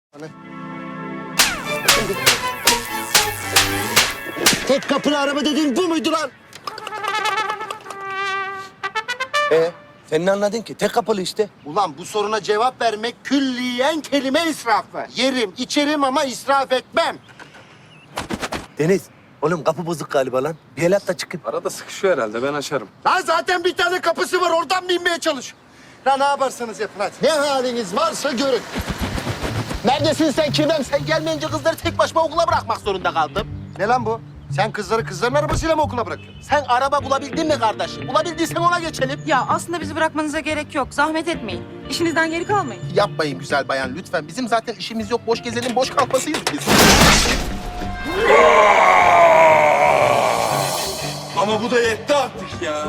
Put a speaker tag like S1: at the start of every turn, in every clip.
S1: Tek kapılı araba dediğin bu muydu lan?
S2: Sen ne anladın ki? Tek kapılı işte.
S1: Ulan bu soruna cevap vermek külliyen kelime israfı. Yerim, içerim ama israf etmem.
S2: Deniz, oğlum kapı bozuk galiba lan. Bir el at da çıkıp.
S3: Arada sıkışıyor herhalde, ben açarım.
S1: Lan zaten bir tane kapısı var, oradan mı inmeye çalış? Lan ne yaparsanız yapın hadi. Ne haliniz varsa görün.
S2: Neredesin sen Kirvem? Sen gelmeyince kızları tek başıma okula bırakmak zorunda kaldım.
S1: Ne lan bu? Sen kızları kızların arabasıyla mı okula bırakıyorsun?
S2: Sen araba bulabildin mi kardeşim? Bulabildiysen ona geçelim.
S4: Ya aslında bizi bırakmanıza gerek yok. Zahmet etmeyin. İşinizden geri kalmayın.
S2: Yapmayın güzel bayan lütfen. Bizim zaten işimiz yok. Boş gezelim, boş kalkmasıyız biz.
S3: Ama bu da yetti artık ya.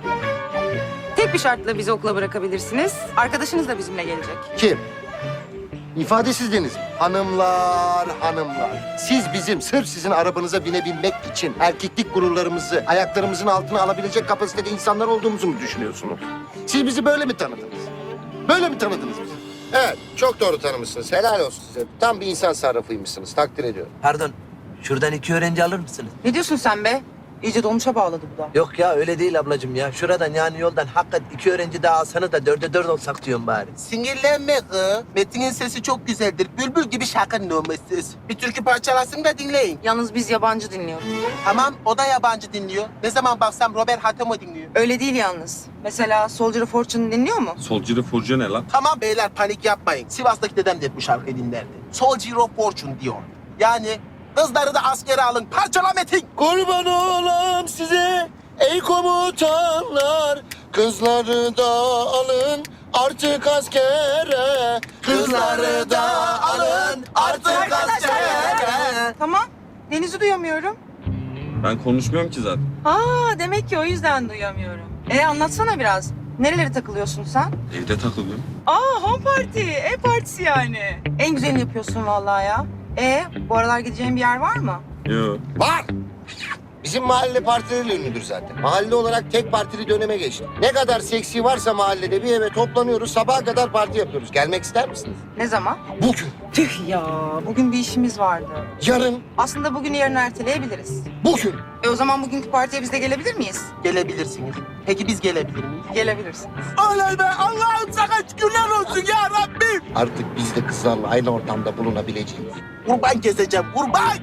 S4: Tek bir şartla bizi okula bırakabilirsiniz. Arkadaşınız da bizimle gelecek.
S1: Kim? İfadesizdiniz mi? Hanımlar, hanımlar. Siz bizim sırf sizin arabanıza binebilmek için erkeklik gururlarımızı ayaklarımızın altına alabilecek kapasitede insanlar olduğumuzu mu düşünüyorsunuz? Siz bizi böyle mi tanıdınız? Böyle mi tanıdınız bizi? Evet, çok doğru tanımışsınız. Helal olsun size. Tam bir insan sarrafıymışsınız. Takdir ediyorum.
S2: Pardon, şuradan 2 öğrenci alır mısınız?
S4: Ne diyorsun sen be? İyice dolmuşa bağladı bu da.
S2: Yok ya öyle değil ablacığım ya. Şuradan yani yoldan hakikaten 2 öğrenci daha alsanız da 4'e 4 olsak diyorum bari. Sinirlenme kız. Metin'in sesi çok güzeldir. Bülbül gibi şarkının olması. Bir türkü parçalasın da dinleyin.
S4: Yalnız biz yabancı dinliyoruz.
S2: Tamam o da yabancı dinliyor. Ne zaman baksam Robert Hatemo dinliyor.
S4: Öyle değil yalnız. Mesela Soldier of Fortune dinliyor mu?
S3: Solcu furcu ne lan?
S2: Tamam beyler panik yapmayın. Sivas'taki dedem de bu şarkıyı dinlerdi. Soldier of Fortune diyor. Yani kızları da askere alın. Parçala Metin.
S1: Kurban olam size ey komutanlar. Kızları da alın artık askere.
S2: Kızları da alın artık askere.
S4: Tamam. Deniz'i duyamıyorum.
S3: Ben konuşmuyorum ki zaten.
S4: Aa, demek ki o yüzden duyamıyorum. Anlatsana biraz. Nerelere takılıyorsun sen?
S3: Evde takılıyorum.
S4: Aa, home party. Ev partisi yani. En güzelini yapıyorsun vallahi ya. Bu aralar gideceğin bir yer var mı?
S3: Yo.
S1: Var. Bizim mahalle partileriyle ünlüdür zaten. Mahalle olarak tek partili döneme geçti. Ne kadar seksi varsa mahallede bir eve toplanıyoruz. Sabaha kadar parti yapıyoruz. Gelmek ister misiniz?
S4: Ne zaman?
S1: Bugün,
S4: Tüh ya, bugün bir işimiz vardı.
S1: yarın,
S4: Aslında bugün yarın erteleyebiliriz.
S1: bugün.
S4: O zaman bugünkü partiye biz de gelebilir miyiz?
S2: Gelebilirsiniz. Peki biz gelebilir miyiz?
S4: Gelebilirsiniz.
S2: Oley be Allah'ım sana şükürler olsun ya Rabbim.
S1: Artık biz de kızlarla aynı ortamda bulunabileceğiz.
S2: Kurban keseceğim kurban.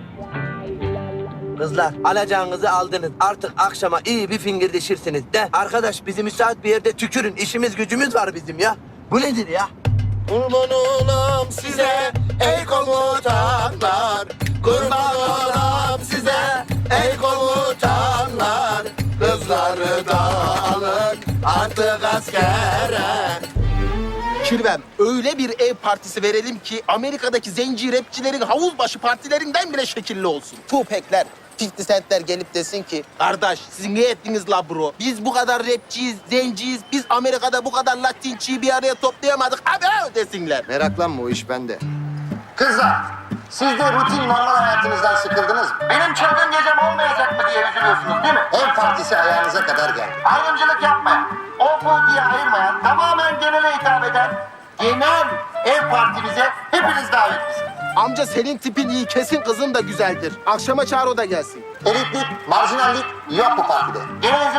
S2: Kızlar alacağınızı aldınız. Artık akşama iyi bir fingirdeşirsiniz de. Arkadaş bizi müsait bir yerde tükürün. İşimiz gücümüz var bizim ya. Bu nedir ya?
S1: Kurban olam size ey komutanlar. Kurban olam size ey komutanlar. Kızları da alın artık askere.
S2: Kirvem öyle bir ev partisi verelim ki Amerika'daki zenci rapçilerin havuzbaşı partilerinden bile şekilli olsun. Tupac'ler, 50 Cent'ler gelip desin ki kardeş siz ne ettiniz la bro? Biz bu kadar rapçiyiz, zenciyiz. Biz Amerika'da bu kadar Latinçiyi bir araya toplayamadık. Abi desinler.
S1: Meraklanma o iş bende. Kızlar, siz de rutin normal hayatınızdan sıkıldınız mı? Benim çılgın gecem olmayacak mı diye üzülüyorsunuz değil mi? Ev partisi ayağınıza kadar geldi. Ayrımcılık yapmayan, o bu diye ayırmayan, tamamen genele hitap eden genel ev partimize hepiniz davetlisiniz.
S2: Amca senin tipin iyi, kesin kızın da güzeldir. Akşama çağır o da gelsin.
S1: Elitlik, marjinallik yok bu partide. Genel